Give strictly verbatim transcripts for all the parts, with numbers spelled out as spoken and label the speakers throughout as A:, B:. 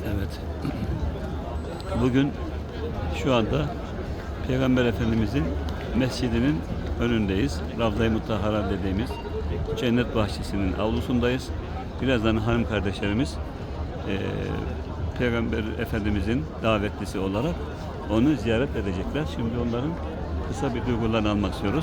A: Evet. Bugün şu anda Peygamber Efendimizin mescidinin önündeyiz. Ravza-i Mutahhara dediğimiz cennet bahçesinin avlusundayız. Birazdan hanım kardeşlerimiz e, Peygamber Efendimizin davetlisi olarak onu ziyaret edecekler. Şimdi onların kısa bir duygularını almak istiyoruz.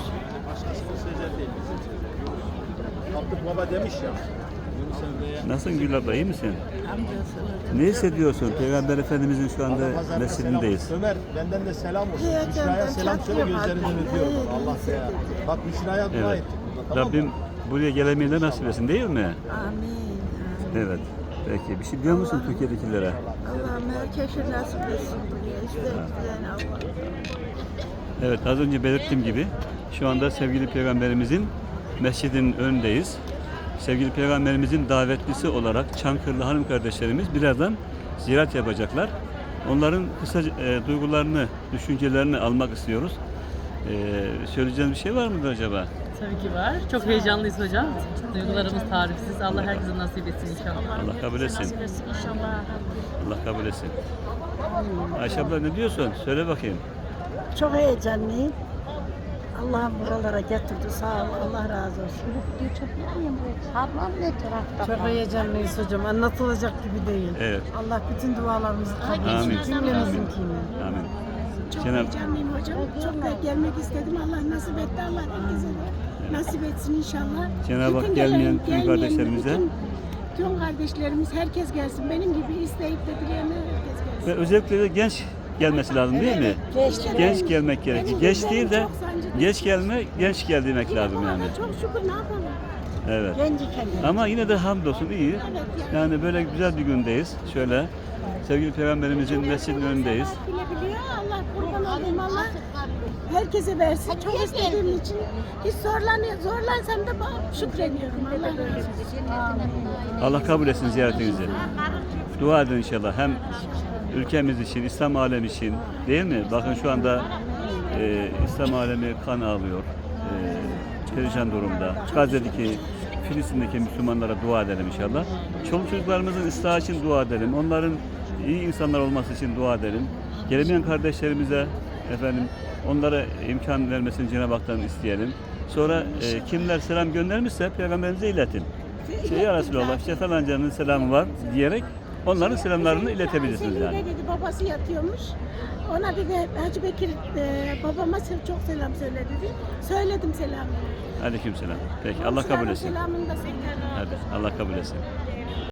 B: Abdülk Baba demiş ya.
A: Nasılsın Gül abla, iyi misin? Ne hissediyorsun? Peygamber Efendimizin şu anda mescidindeyiz.
B: Ömer benden de selam olsun. Müşra'ya selam söyle, gözlerinden öpüyorum. Allah selam. Bak Müşra'ya dua
A: Evet.
B: ettik. Tamam
A: Rabbim
B: mı?
A: buraya gelemeyi de nasip etsin, değil mi?
C: Amin.
A: Evet. Peki. Bir şey diyor musun Türkiye'dekilere?
C: Allah'ım herkese nasip etsin buraya. İstediklerini Allah.
A: Evet, az önce belirttiğim gibi şu anda sevgili Peygamberimizin mescidinin önündeyiz. Sevgili Peygamberimizin davetlisi olarak Çankırılı hanım kardeşlerimiz birazdan ziyaret yapacaklar. Onların kısa e, duygularını, düşüncelerini almak istiyoruz. E, söyleyeceğiniz bir şey var mıdır acaba?
D: Tabii ki var. Çok heyecanlıyız hocam. Duygularımız tarifsiz. Allah herkese nasip etsin inşallah.
A: Allah kabul etsin.
D: İnşallah.
A: Allah kabul etsin. Ayşe abla ne diyorsun? Söyle bakayım.
C: Çok heyecanlıyım. Allah'ım buralara getirdi. Sağ ol. Allah razı olsun. Ablam ne tarafta?
E: Çok heyecanlıyız hocam. Anlatılacak gibi değil.
A: Evet.
E: Allah bütün dualarımızı kabul
A: Amin.
E: etsin. Cümlemizinkini.
A: Amin.
F: Çok
A: Cenab-
F: heyecanlıyım hocam. Çok da gelmek istedim. Allah nasip etti. Allah herkese de nasip etsin inşallah.
A: Cenab-ı Hak
F: Bütün
A: gelmeyen
F: gelen-
A: tüm
F: gelmeyen
A: kardeşlerimize-
F: bütün- Tüm kardeşlerimiz herkes gelsin. Benim gibi isteyip de dileyen herkes gelsin.
A: Ve özellikle de genç gelmesi lazım, değil mi?
F: Genç,
A: Genç gelmek gerekir.
F: Benim
A: Geç
F: gözlerim
A: değil de
F: çok sancılı.
A: geç gelme, genç gel demek lazım yani.
F: Çok şükür ne yapalım.
A: Evet.
C: Genci kendini.
A: Ama yine de hamdolsun iyi. Yani böyle güzel bir gündeyiz. Şöyle sevgili Peygamberimizin mescidinin önündeyiz.
F: Allah bilebiliyor. Allah kurban olayım. Allah herkese versin. Çok istediğim için hiç zorlanıyor. Zorlansam da ba- şükrediyorum. Allah razı olsun.
A: Allah kabul etsin ziyaretinizi. Dua edin inşallah. Hem ülkemiz için, İslam alemi için, değil mi? Bakın şu anda e, İslam alemi kan ağlıyor. E, perişan durumda. Gazze'deki, Filistin'deki Müslümanlara dua edelim inşallah. Çoluk çocuklarımızın ıslahı için dua edelim. Onların iyi insanlar olması için dua edelim. Gelemeyen kardeşlerimize efendim onlara imkan vermesini Cenab-ı Hak'tan isteyelim. Sonra e, kimler selam göndermişse Peygamberimize iletin. Şey ya Resulallah, işte falancanın selamı var diyerek onların selamlarını iletebilirsiniz yani.
F: Selim'de dedi babası yatıyormuş. Ona dedi Hacı Bekir e, babama se- çok selam söyle dedi. Söyledim selamını.
A: Aleykümselam. Peki Allah kabul etsin.
F: Selamını da söyle.
A: Hadi Allah kabul etsin.